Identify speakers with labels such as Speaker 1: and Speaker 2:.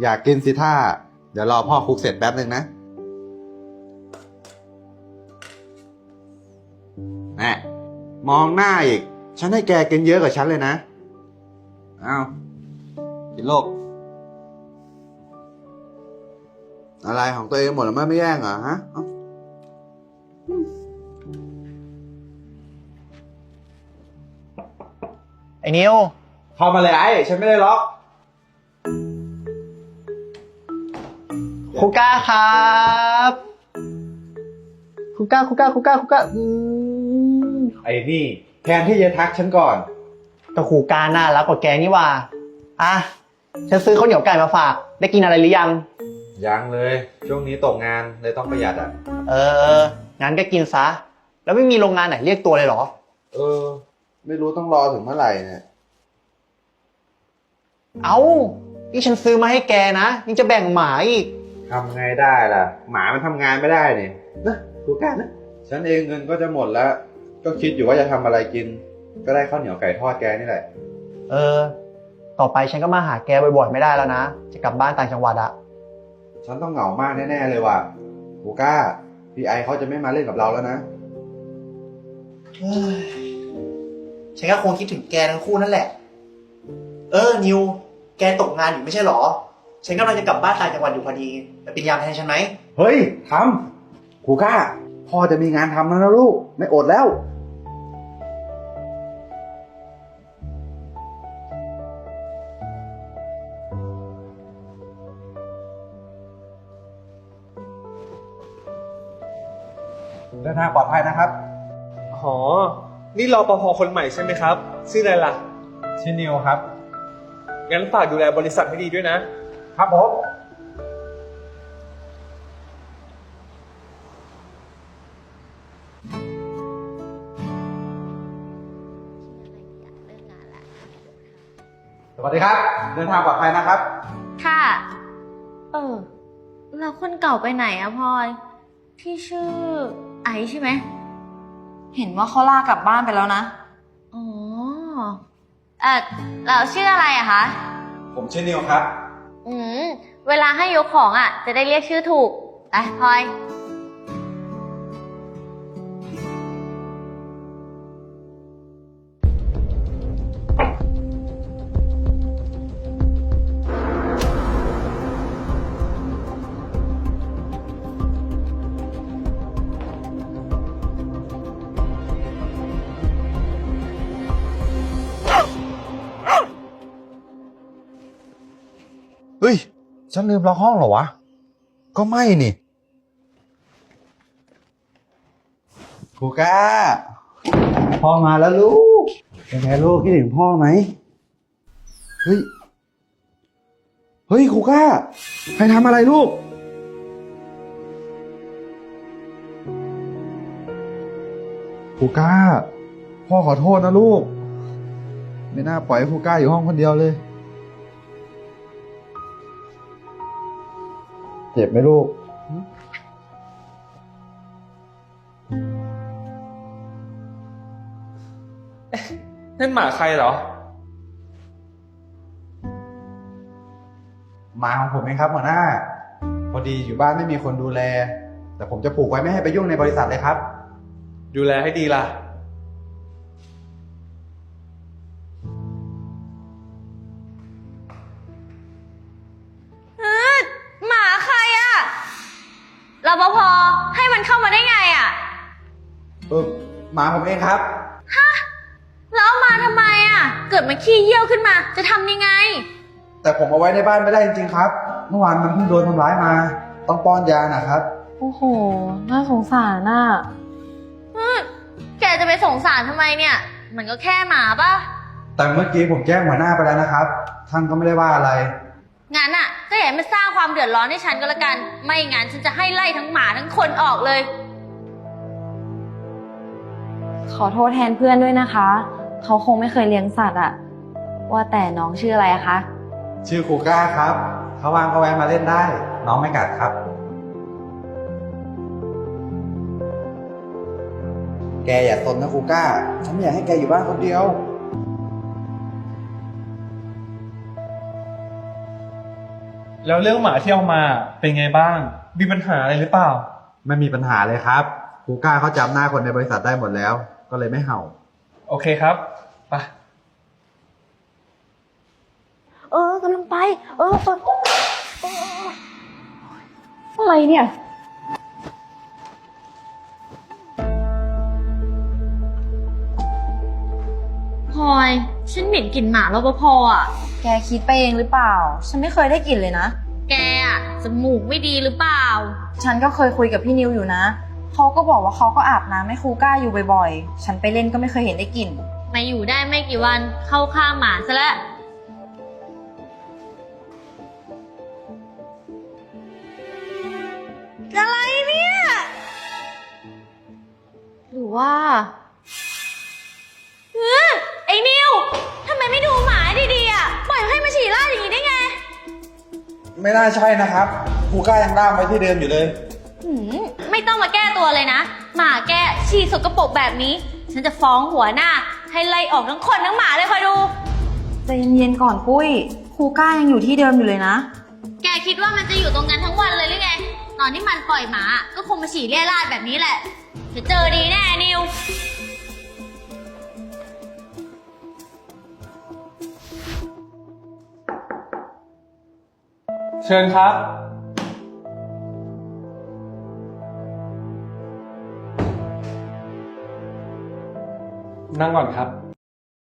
Speaker 1: อยากกินสิท่าเดี๋ยวรอพ่อคลุกเสร็จแป๊บหนึ่งนะแม่มองหน้าอีกฉันให้แกกินเยอะกว่าฉันเลยนะเอากินโลกอะไรของตัวเองหมดแล้วไม่แย่งเหรอฮะ
Speaker 2: ไอ้นิว
Speaker 1: เข้ามาเลยไอ้ฉันไม่ได้ล็อก
Speaker 2: ครูก้าครับครูก้า
Speaker 1: ไอ้นี่แทนที่จะทักฉันก่อน
Speaker 2: แต่ครูก้าน่ารักกว่าแกนี่ว่าอ่ะฉันซื้อข้าวเหนียวไก่มาฝากได้กินอะไรหรือยัง
Speaker 1: ยังเลยช่วงนี้ตกงานเลยต้องประหยัดอ่ะ
Speaker 2: งั้นก็กินซะแล้วไม่มีโรงงานไหนเรียกตัวเลยเหรอ
Speaker 1: ไม่รู้ต้องรอถึงเมื่อไหร่เนี่ย
Speaker 2: นี่ฉันซื้อมาให้แกนะยังจะแบ่งหมาอีก
Speaker 1: ทำไงได้ล่ะหมามันทำงานไม่ได้เนี่ยนะกูกล้านะฉันเองเงินก็จะหมดแล้วก็คิดอยู่ว่าจะทำอะไรกินก็ได้ข้าวเหนียวไก่ทอดแกนี่แหละ
Speaker 2: ต่อไปฉันก็มาหาแกบ่อยๆไม่ได้แล้วนะจะกลับบ้านต่างจังหวัดอะ
Speaker 1: ฉันต้องเหงามากแน่ๆเลยว่ะกูกล้าพี่ไอเขาจะไม่มาเล่นกับเราแล้วนะ
Speaker 2: ฉันก็คงคิดถึงแกทั้งคู่นั่นแหละนิวแกตกงานอยู่ไม่ใช่หรอฉันกำลังจะกลับบ้านต่างจังหวัดอยู่พอดีไปเป็นยามแทนฉันไหม
Speaker 1: เฮ้ยทำกูกล้าพ่อจะมีงานทำแล้วนะลูกไม่อดแล้วเดินทางปลอดภัยนะครับ
Speaker 3: อ๋อนี่รปภ.คนใหม่ใช่ไหมครับชื่ออะไรล่ะ
Speaker 1: ชื่อนิวครับ
Speaker 3: งั้นฝากดูแลบริษัทให้ดีด้วยนะครับ
Speaker 1: ผมสวัสดีครับเดินทางปลอดภัยนะครับ
Speaker 4: ค่ะแล้วคนเก่าไปไหนอะพลอยที่ชื่อไอซ์ใช่ไหม
Speaker 5: เห็นว่าเขาลากลับบ้านไปแล้วนะ
Speaker 4: อ๋อแล้วชื่ออะไรอะคะ
Speaker 1: ผมชื่อนิวครับ
Speaker 4: เวลาให้ยกของอะจะได้เรียกชื่อถูกไปพลอย
Speaker 1: เฮ้ยฉันลืมล็อกห้องเหรอวะก็ไม่นี่ครูก้าพ่อมาแล้วลูกเป็นไงลูกคิดถึงพ่อไหมเฮ้ยครูก้าใครทำอะไรลูกครูก้าพ่อขอโทษนะลูกไม่น่าปล่อยให้ครูก้าอยู่ห้องคนเดียวเลยเจ็บไหมลูก
Speaker 3: นั่นหมาใครเหรอ
Speaker 1: หมาของผมเองครับหัวหน้าพอดีอยู่บ้านไม่มีคนดูแลแต่ผมจะผูกไว้ไม่ให้ไปยุ่งในบริษัทเลยครับ
Speaker 3: ดูแลให้ดีล่ะ
Speaker 4: หมาใครอะรปภ.ให้มันเข้ามาได้ไงอะ
Speaker 1: หมาผมเองครับ
Speaker 4: แล้วเอามาทำไมอะเกิดมันขี้เยี่ยวขึ้นมาจะทำยังไง
Speaker 1: แต่ผมเอาไว้ในบ้านไม่ได้จริงๆครับเมื่อวานมันเพิ่งโดนทำร้ายมาต้องป้อนยานะครับ
Speaker 5: โอ้โหน่าสงสารน่ะ
Speaker 4: แกจะไปสงสารทำไมเนี่ยมันก็แค่หมาป่ะ
Speaker 1: แต่เมื่อกี้ผมแจ้งหัวหน้าไปแล้วนะครับท่านก็ไม่ได้ว่าอะไร
Speaker 4: งั้นอ่ะก็อย่ามาสร้างความเดือดร้อนให้ฉันก็แล้วกันไม่งั้นฉันจะให้ไล่ทั้งหมาทั้งคนออกเลย
Speaker 5: ขอโทษแทนเพื่อนด้วยนะคะเขาคงไม่เคยเลี้ยงสัตว์อะว่าแต่น้องชื่ออะไรคะ
Speaker 1: ชื่อครูก้าครับถ้าว่างก็แวะมาเล่นได้น้องไม่กัดครับแกอย่าซนนะครูก้าฉันไม่อยากให้แกอยู่บ้านคนเดียว
Speaker 3: แล้วเรื่องหมาที่เอามาเป็นไงบ้าง มีปัญหาอะไรหรือเปล่า
Speaker 1: ไม่มีปัญหาเลยครับครูก้าเขาจำหน้าคนในบริษัทได้หมดแล้ว ก็เลยไม่เห่า
Speaker 3: โอเคครับไป
Speaker 5: กำลังไป อะไรเนี่ย
Speaker 4: พลอย ฉันเหม็นกลิ่นหมารปภอ่ะ
Speaker 5: แกคิดไปเองหรือเปล่า ฉันไม่เคยได้กลิ่นเลยนะ
Speaker 4: แกอ่ะจมูกไม่ดีหรือเปล่า
Speaker 5: ฉันก็เคยคุยกับพี่นิวอยู่นะ เขาก็บอกว่าเขาก็อาบน้ำให้ครูก้าอยู่บ่อยๆ ฉันไปเล่นก็ไม่เคยเห็นได้กลิ่น
Speaker 4: มาอยู่ได้ไม่กี่วันเข้าข้างหมาซะแล้ว อะไรเนี่ย
Speaker 5: หรือว่า
Speaker 4: ไอ้นิวทำไมไม่ดูหมาดีๆอ่ะ ปล่อยให้มาฉี่ราดอย่างนี้ได้ไง
Speaker 1: ไม่น่าใช่นะครับครูก้ายังล่ามไว้ที่เดิมอยู่เลย
Speaker 4: ไม่ต้องมาแก้ตัวเลยนะ หมาแกฉี่สกปรกแบบนี้ ฉันจะฟ้องหัวหน้า ให้ไล่ออกทั้งคนทั้งหมาเลยคอยดู
Speaker 5: ใจเย็นๆก่อนปุ้ย ครูก้ายังอยู่ที่เดิมอยู่เลยนะ
Speaker 4: แกคิดว่ามันจะอยู่ตรงนั้นทั้งวันเลยหรือไง ตอนที่มันปล่อยหมา ก็คงมาฉี่เรี่ยราดแบบนี้แหละจะเจอดีแน่นิว
Speaker 3: เชิญครับ นั่งก่อนครับ